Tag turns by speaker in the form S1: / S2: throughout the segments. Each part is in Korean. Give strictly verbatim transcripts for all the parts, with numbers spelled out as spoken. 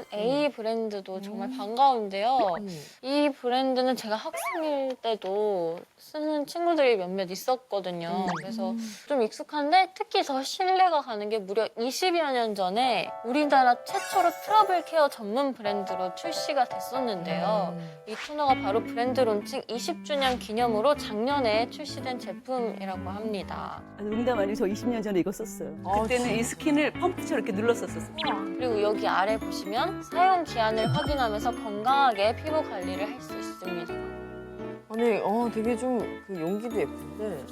S1: A 브랜드도 정말 반가운데요. 이 브랜드는 제가 학생일 때도 쓰는 친구들이 몇몇 있었거든요. 그래서 좀 익숙한데 특히 더 신뢰가 가는 게 무려 이십여 년 전에 우리나라 최초로 트러블 케어 전문 브랜드로 출시가 됐었는데요. 이 토너가 바로 브랜드 론칭 이십 주년 기념으로 작년에 출시된 제품이라고 합니다.
S2: 아니, 농담 아니고 저 이십 년 전에 이거 썼어요. 그때는 이 스킨을 펌프처럼 이렇게 눌렀었었어요.
S1: 그리고 여기 아래 보시면 사용 기한을 확인하면서 건강하게 피부 관리를 할 수 있습니다.
S3: 아니, 어, 되게 좀 그 용기도 예쁜데.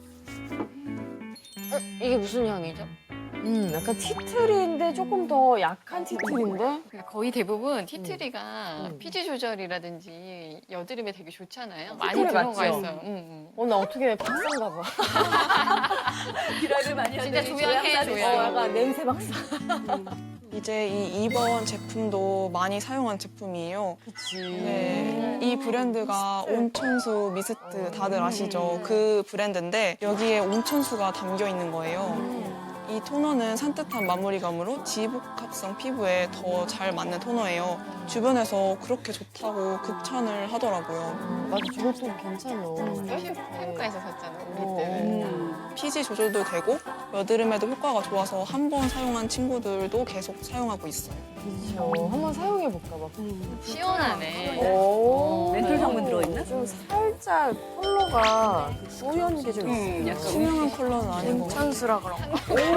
S1: 어? 이게 무슨 향이죠?
S3: 음, 약간 티트리인데 조금 더 약한 티트리인데?
S4: 거의 대부분 티트리가
S3: 음.
S4: 피지 조절이라든지 여드름에 되게 좋잖아요. 많이
S3: 티트리
S4: 들어가
S3: 맞죠?
S4: 있어요. 응, 응.
S3: 어, 나 어떻게 박사인가 봐.
S2: 비라를 많이
S4: 진짜
S2: 하더니
S4: 조향해,
S2: 조향사를
S3: 어,
S4: 조향.
S3: 약간 냄새 박사.
S5: 이제 이 이번 제품도 많이 사용한 제품이에요.
S3: 그치.
S5: 네, 이 브랜드가 온천수 미스트 다들 아시죠? 그 브랜드인데 여기에 온천수가 담겨 있는 거예요. 이 토너는 산뜻한 마무리감으로 지복합성 피부에 더 잘 맞는 토너예요. 주변에서 그렇게 좋다고 극찬을 하더라고요.
S3: 맞아, 저것도 괜찮아.
S4: 피부과에서 샀잖아, 우리
S3: 어.
S4: 때.
S5: 음, 피지 조절도 되고 여드름에도 효과가 좋아서 한 번 사용한 친구들도 계속 사용하고 있어요.
S3: 그쵸. 한번 사용해볼까 봐.
S4: 시원하네.
S3: 오.
S2: 멘톨 성분 들어있나?
S3: 좀 살짝 컬러가 뿌연 게 좀
S2: 음,
S3: 있어.
S2: 약간
S5: 투명한 컬러는 아니고
S3: 괜찮으라 그런가?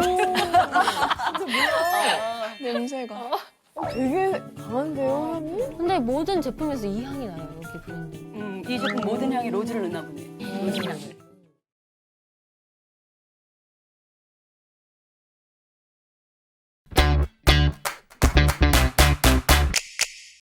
S5: 냄새가.
S3: 어, 되게 강한데요, 향이?
S1: 근데 모든 제품에서 이 향이 나요, 여기 브랜드.
S2: 음, 이 제품 모든 향이 로즈를 넣나 보네. 로즈 향을.